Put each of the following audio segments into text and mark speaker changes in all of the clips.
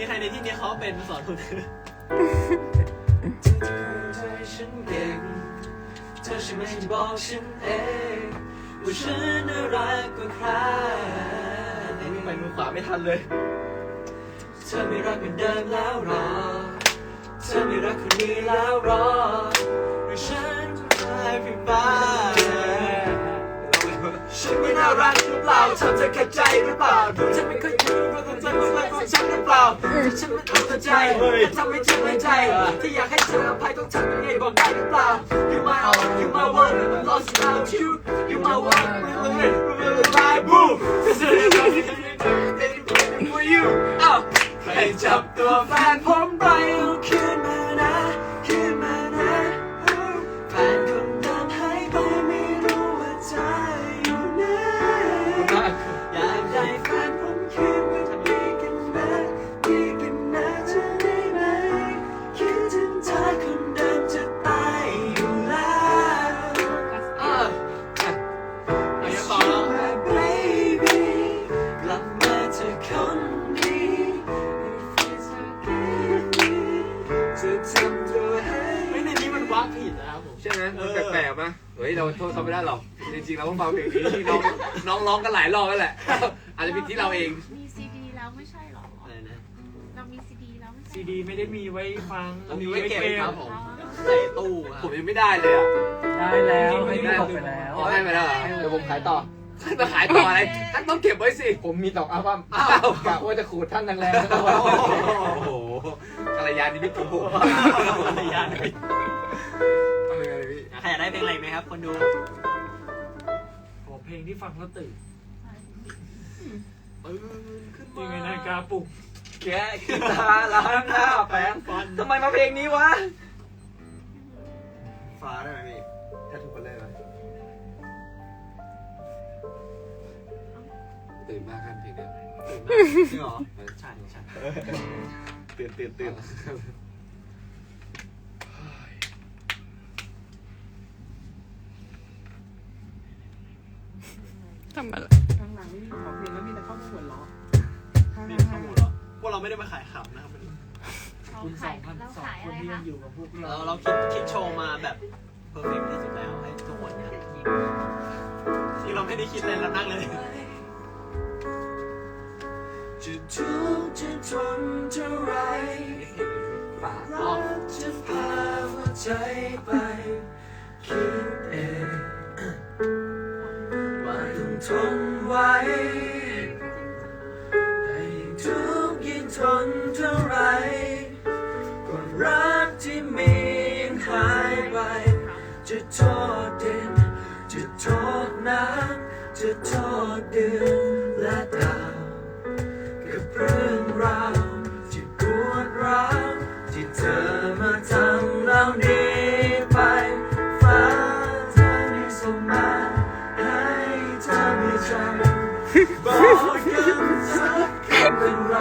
Speaker 1: ใครในที่นี้เขาเป็นมาสอนคุณฉันเก่งเธอใช่ไหมที่บอกฉันเองว่าฉันน่ารักกว่าใครนี่ไปมือขวาไม่ทันเลยเธอไม่รักเหมือนเดิมแล้วหรอเธอไม่รักคนนี้แล้วหรอหรือฉันจะตายไปบ้างฉันไม่น่ารักหรือเปล่าทำเธอขัดใจหรือเปล่าดูฉันไม่ค่อยรู้ว่าต้องใจมันรักของฉันหรือเปล่าที่ฉันไม่เข้าใจทำให้เธอไม่ใจที่อยากให้เธออภัยต้องทำยังไงบอกได้หรือเปล่า You my all You my one I'm lost without you You my one My boo This is anything for you ให้จับตัวแฟนผมไปเอาคืนมานะคืนมานะแฟนคนเดิมหายไปไม่รู้ว่าใจอยู่ไหนอยากได้แฟนผมคืนมาดีกันนะดีกันนะเธอได้ไหมคิดถึงเธอคนเดิมจะตายอยู่แล้วยังต่อแล้ว Baby กลับมาเธอคนดีจะทำตัวให้ไม่ในนี้มันวักผิดนะครับผม
Speaker 2: ใช่ไหมมันแปลกๆมั้ยเฮ้ยเราโทษเขาไม่ได้หรอกจริงๆเราก็ฟังเพลงนี้ที่น้องร้องกันหลายรอบแล้วแหละอาจจะผิดที่เราเอง
Speaker 3: มีซีดีแล้วไม่ใช่หรอ
Speaker 1: อะไรนะ
Speaker 3: เรามีซีดีแล้วไม่ใช่
Speaker 4: ซีดีไม่ได้มีไว้ฟัง
Speaker 1: เรามีไว้เก็บครับผมใส่ตู้
Speaker 2: ผมยังไม่ได้เลยอ่ะ
Speaker 4: ได้แล้วไม่ได้ไปแล้ว
Speaker 2: ให้ไปแล้วเดี๋ยวผมขายต่อจะขายต่ออะไรท่านต้องเก็บไว้สิ
Speaker 5: ผมมี2 อัลบั้มกะว่าจะขูดท่านแรงๆ
Speaker 2: โอ้โหกัลยาณมิตรของผม
Speaker 1: กัลยาณมิตรใครอยากได้เพลงอะไรไหมครับคนดู
Speaker 4: ขอเพลงที่ฟังแล้วตื่น
Speaker 1: ขึ้น
Speaker 4: ยังไงนาฬิกาปลุก
Speaker 5: แกะกีตาร์ล้างหน้าแปรงฟันทำไมมาเพลงนี้วะ
Speaker 1: ฟ้าได้ไหมพี่ถ้าถูกคนเลยไหม
Speaker 2: ตื่นมากกันเพลงนี้
Speaker 1: จริงเหรอใช่ใช่
Speaker 2: ตื่น
Speaker 6: ทำอะไร
Speaker 4: ข้างหลังนี่ขอเพลงแล้วมีแต่ข้อมูลหัวล้อ
Speaker 1: มีข้อมูลเหรอพวกเราไม่ได้มาขายขำนะครับ
Speaker 4: คุณ2,200 คนที่ยังอยู่กับพวก
Speaker 1: เราคิดโชว์มาแบบเพอร์เฟกต์ที่สุดแล้วให้ทุกคนเนี่ยที่เราไม่ได้คิดเลยเรานั่งเลยจะทุกข์จะทนเท่าไรรักจะพาหัวใจไปคิดเองว่าต้องทนไว้แต่ยิ่งทุกข์ยิ่งทนเท่าไรก็รักที่มียังหายไปจะโทษดินจะโทษน้ำจะโทษเดือนและดาวกับเรื่องราวที่ปวดร้าวที่เธอมาทำเรานี้ไปฟ้าเธอไม่ส่งมาให้เธอไม่จำบอกกันสักคำเป็นไร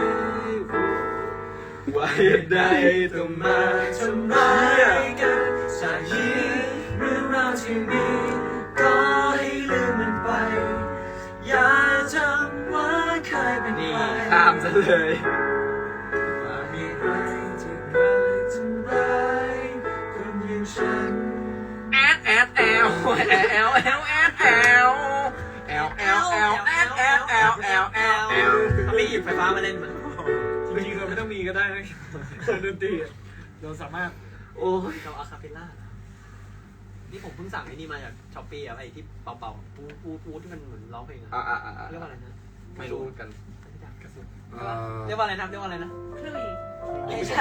Speaker 1: ว่าเหตุใดต้องมาทำร้ายกันจากนี้เรื่องราวที่มีก็ให้ลืมมันไปอย่าจำว่าเคยเป็นใคร
Speaker 5: ข้ามซะเลย
Speaker 1: ว่ามีใครที่รักทำร้ายคนอย่างฉัน
Speaker 5: แอดแอดแอลแอลแอลแอลแอดแอลแอลแอลแอลแอดแอลแอลแอลแอลแอล
Speaker 1: ไม่หยิบไฟฟ้ามาเล่นมัน
Speaker 4: จริงๆเราไม่ต้องมีก็ได้นะดนตรีเราสามารถ
Speaker 1: โอ้ยเราอะคาเปลล่านี่ผมเพิ่งสั่งไอ้นี่มาจากช้อปปี้อะไอ้ที่เป่าๆปูที่มันเหมือนร้องเพลงอะเรียกว่าอะไรนะ
Speaker 5: ไม่รู้กัน
Speaker 1: เรียกว่าอะไรนะเรียกว่าอะไรนะ
Speaker 3: คลุย
Speaker 1: ไม่ใช่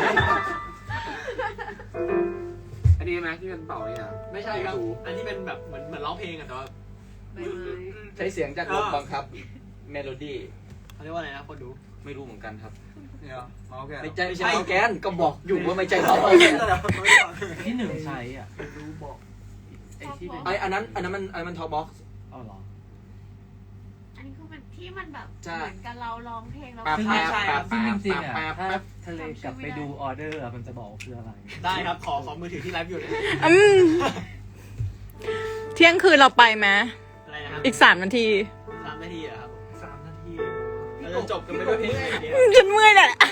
Speaker 2: อันนี้ไหมที่เป็นเป่านี่นะ
Speaker 1: ไม่ใช่ครับอันที่เป็นแบบเหมือนร้องเพลงอะแต่ว่า
Speaker 5: ใช้เสียงจากลมบังคับเมโลดี้
Speaker 1: เขาเรียกว่าอะไรนะคนดู
Speaker 5: ไม่รู้เหมือนกันครับ
Speaker 1: ไม่ใช่
Speaker 5: แกนก็บอกอยู่ว่าไม่ใช่เขา
Speaker 4: ที่หนึ่งใช้อ่ะรู้บอก
Speaker 5: ไอ้ที่เป็นอันนั้นมันท็อปบ็อกซ์
Speaker 4: อ๋อเหรอ
Speaker 3: อันนี้คือเป็นที่มันแบบเหมือนกับเราร้องเพลงแล้ว
Speaker 4: ซึ่งจริงๆอ่ะถ้าทะเลกลับไปดูออเดอร์มันจะบอกคืออะไร
Speaker 1: ได้ครับขอมือถือที่ไลฟ์อยู่เลย
Speaker 6: เที่ยงคืนเราไปไหม
Speaker 1: อะไรนะครับ
Speaker 6: อีก3 นาที
Speaker 1: 3 นาทีเหรอครับ
Speaker 4: 3 นาที
Speaker 1: เราจะจบกันไปด้วยเพลงเดียว
Speaker 6: ฉันเมื่อยแหละ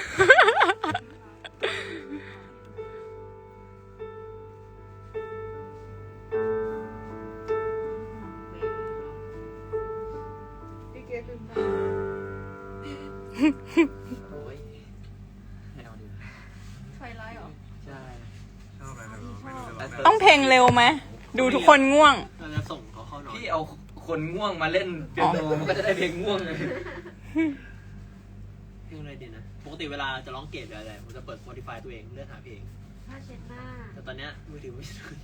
Speaker 5: โอ้ยไม่เอาดี
Speaker 3: ไฟไลท์เหรอ
Speaker 5: ใช่
Speaker 1: ชอบอะไรไม่รู้
Speaker 6: ต้องเพลงเร็วไหม ดูทุกคนง่วง
Speaker 1: เราจะส่งเขาเข้านอน
Speaker 5: พี่เอาคนง่วงมาเล่นเปียโนมันก็จะได้เพลงง่วงเลย
Speaker 1: เพลงอะไรดีนะ ปกติเวลาจะร้องเกตหรืออะไรผมจะเปิด Spotify ตัวเองเลือกหาเพลง
Speaker 3: ผ้าเช็ดหน้า
Speaker 1: แต่ตอนเนี้ยมือถือไม่ถึง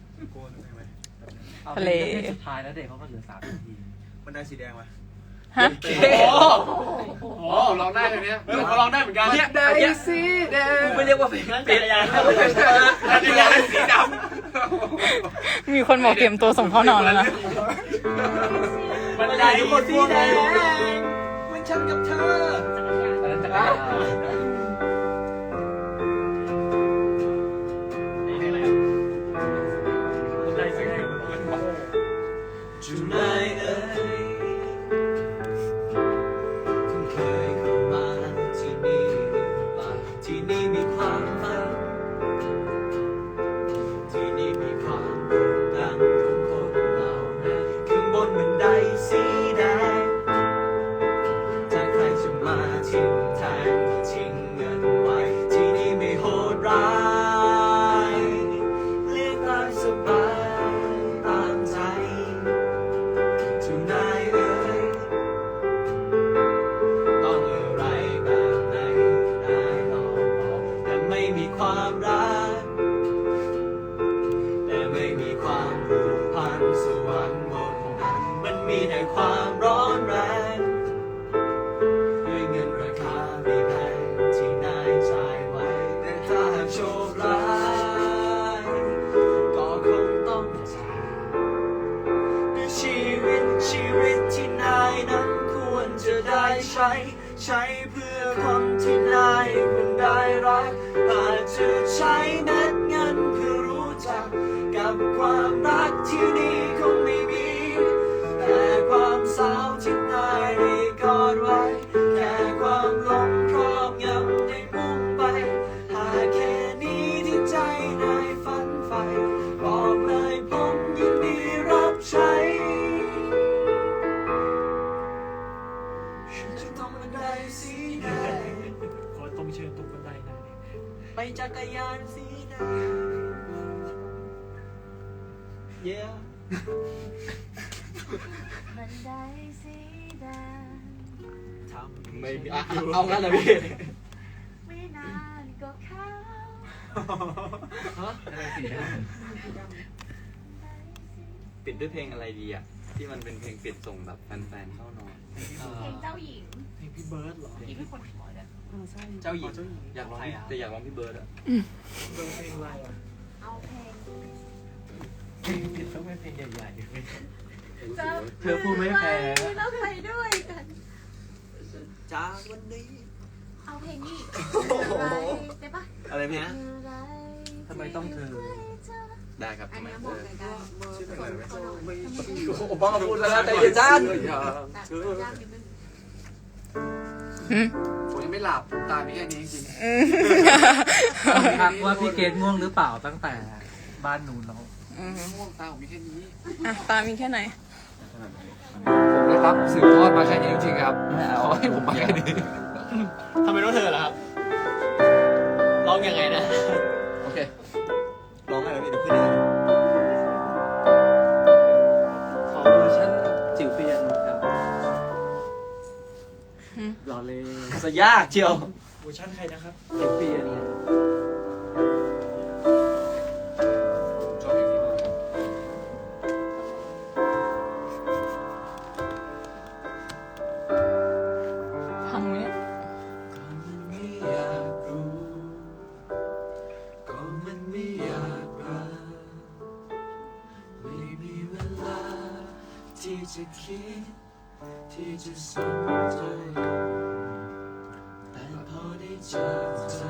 Speaker 4: เอา
Speaker 6: ทะเล
Speaker 4: เพลงสุดท้ายแล้วเด็กเขาก็เหลือ3 นาที
Speaker 1: มันได้สีแดงไหม
Speaker 6: ฮะ
Speaker 2: โอ้ร้องได้เลยเนี้ย
Speaker 1: เขาร้องได้เหมือนกัน
Speaker 5: เนี่ยได้สีแดงไม่เรียกว่าเพลง
Speaker 1: นั่น
Speaker 5: ปิ
Speaker 1: จั
Speaker 5: ด
Speaker 1: กรยาน
Speaker 2: อันนี้ได้สีด
Speaker 6: มีคนบอกเตรียมตัวส่งเข้านอนแล้วนะ
Speaker 1: มันได้ทุกคนสีแดงเหมันฉันกับเธอ
Speaker 4: อันนั้นจักรยาน
Speaker 1: เพลงอะไรอ่ะมันได้สีแดงจุดไหนเอ่ยคุณเคยเข้ามาที่นี่หรือเปล่าที่นี่มีความฝันที่นี่มีความดังของคนเหล่านั้นข้างบนบันไดสีแดงถ้าใครจะมาทิ้งแทงก็ทิ้งเงินไว้ที่นี่ไม่โหดร้ายเลือกตามสบายตามใจทุกนายเอ่ยต้องอะไรแบบไหนได้ลองบอกแต่ไม่มีความรักแต่ไม่มีความผูกพันสวรรค์บนนั้นมันมีแต่ความร้อนแรงด้วยเงินราคาไม่แพงที่นายจ่ายไว้แต่ถ้าหากโชคร้ายก็คงต้องจากด้วยชีวิตที่นายนั้นควรจะได้ใช้เพื่อคนที่นายเพิ่งได้รักอาจจะใช้เม็ดเงินเพื่อรู้จักกับความรักที่นี่คงไม่มีแต่ความสาวที่นายได้กอดไว้แค่ความหลงครอบงำได้มุ่งไปหากแค่นี้ที่ใจนายฝันใฝ่บอกเลยผมยินดีรับใช้ฉันจะต้องบันไดสีแดงขอต้องเชิญตรงบันไดหน่อยไปจักรยานสีแดง Yeah
Speaker 3: บันไดสีแดง
Speaker 1: ทำ
Speaker 5: ไม่มีเอางั้นเลยพี่
Speaker 3: ไม่นานก็เข้า
Speaker 4: อะไรสีแดง
Speaker 5: ปิดด้วยเพลงอะไรดีอ่ะที่มันเป็นเพลงปิดส่งแบบแฟนๆเข้านอน
Speaker 3: เพลงเจ้าหญิง
Speaker 1: เพลงพี่เบิร์ดเหรอ
Speaker 3: ที่เป็นคนขอเนี่ย
Speaker 5: เจ้าหญิงอยากร้องแต่อยากร้องพี่เบิร์ดอ่ะ
Speaker 1: เบิร์ดเพลงอะไรอ่ะ
Speaker 3: เอาเพลง
Speaker 4: เพลงผิดต้องเป็นเพลงใหญ่
Speaker 3: จะ
Speaker 4: เธอพูดไม่แพ้
Speaker 3: แล้วไปด้วยกัน
Speaker 1: จากวันนี้
Speaker 3: เอาเพลงนี้อะไรได้ปะ
Speaker 5: อะไรเพลงนะ
Speaker 3: อะไร
Speaker 4: ทำไมต้องเธอ
Speaker 5: ได้ครับ
Speaker 3: อัน
Speaker 5: ทำไม
Speaker 3: เนี้ยเหมาะกับการ
Speaker 1: ชื่อเพลงอะไรไหม
Speaker 5: โอ้บ้าพูดแล้วใจเย็นจ้าน
Speaker 3: แบบยากนิดนึง
Speaker 2: ผมยังไม่หลับตามีแค่นี้จริง
Speaker 4: ทักว่าพี่เกดง่วงหรือเปล่าตั้งแต่บ้านนู้นแล้ว
Speaker 2: ง่วงตาผมมีแค่นี้
Speaker 6: อ่ะ ตามีแค่ไหน
Speaker 2: ผมนะครับสืบทอดมาแค่นี้จริงๆครับขอให้ผมมาแค่นี้
Speaker 1: ทำไมต้องเธอล่ะครับ ร้องยังไงนะ
Speaker 2: โอเค
Speaker 1: ร้องอะไรพี่เดี๋ยวขึ้นยังไง
Speaker 4: ขอเวอร์ชันจิ๋วเปียโนครับ รอเลย
Speaker 5: จะยากเชียว
Speaker 1: เวอร์ชันใครนะครับ
Speaker 4: จิ๋วเปียโน
Speaker 2: ชอบอย่างนี้มากครับ
Speaker 6: พังไหมเนี่ย
Speaker 1: ไม่อยากรู้ก็มันไม่อยากรักไม่มีเวลาที่จะคิดที่จะสนใจแต่พอได้เจอเธอ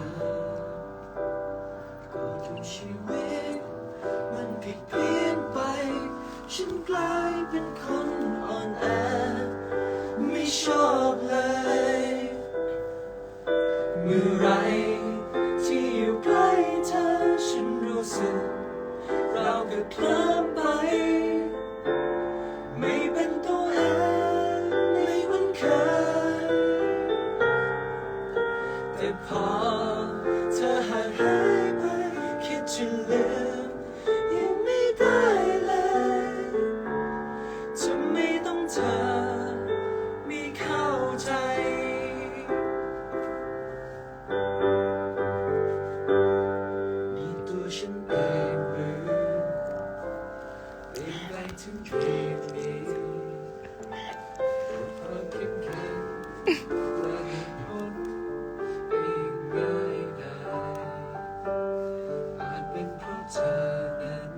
Speaker 1: ก็ทุกชีวิตมันผิดเพี้ยนไปฉันกลายเป็นคนอ่อนแอไม่ชอบเลยเมื่อไรที่อยู่ใกล้เธอฉันรู้สึกเราก็เคลิ้มไปไม่เป็นตัวเองไม่เหมือนเคยแต่พอเธอห่างหายไปคิดจะลืมยังไม่ได้เลยจะไม่ต้องเธอไม่เข้าใจนี่ตัวฉันเองหรือเปลี่ยนแปลงถึงจุดนี้ความเข้มแข็งและเหตุผลไม่ง่ายได้อาจเป็นเพราะเธอนั้น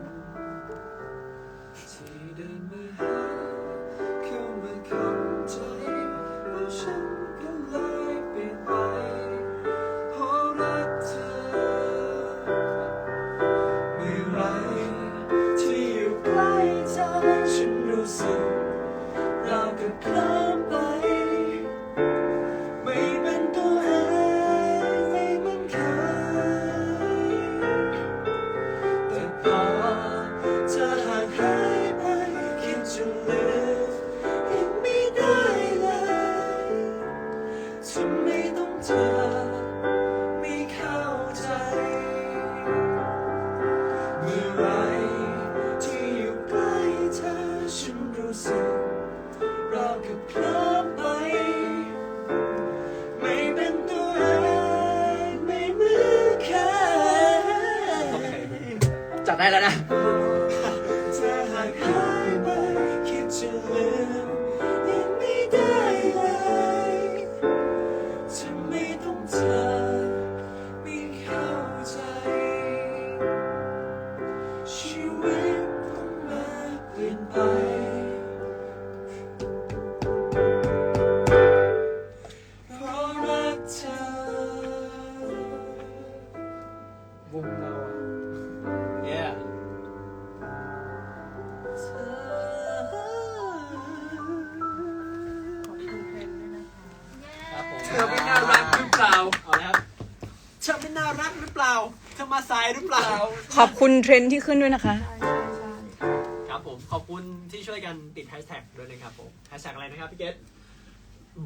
Speaker 1: ที่เดินมาหาเข้ามาเข้าใจแล้วฉันก็เลยเปลี่ยนไปเพราะรักเธอเมื่อไรที่อยู่ใกล้เธอฉันรู้สึกเราก็เคลิ้มไปไม่เป็นตัวเองไม่เหมือนเคยแต่พอเธอห่างหายไปคิดจะลืมยังไม่ได้เลยทำไมต้องเธอไม่เข้าใจเมื่อไรที่อยู่ใกล้เธอฉันรู้สึกเราก็เคลิ้มไปไม่เป็นตัวเองไม่เหมือนเคย
Speaker 5: จัดได้แล้วนะ
Speaker 1: เธอห่างหายไปคิดจะลืมยังไม่ได้เลยทำไมต้องเธอไม่เข้าใจชีวิตต้องมาเปลี่ยนไปเพราะรักเธอ
Speaker 5: วงเราyeah ครับผม
Speaker 2: เธอไม่น่ารักหรือเปล่า
Speaker 5: เอาเลยครับ
Speaker 1: เธอไม่น่ารักหรือเปล่าเธอมาสายหรือเปล่า
Speaker 6: ขอบคุณเทรนด์ที่ขึ้นด้วยนะคะ
Speaker 1: ครับผมขอบคุณที่ช่วยกันติดแฮชแท็กด้วยนะครับผมแฮชแท็กอะไรนะครับพี่เกต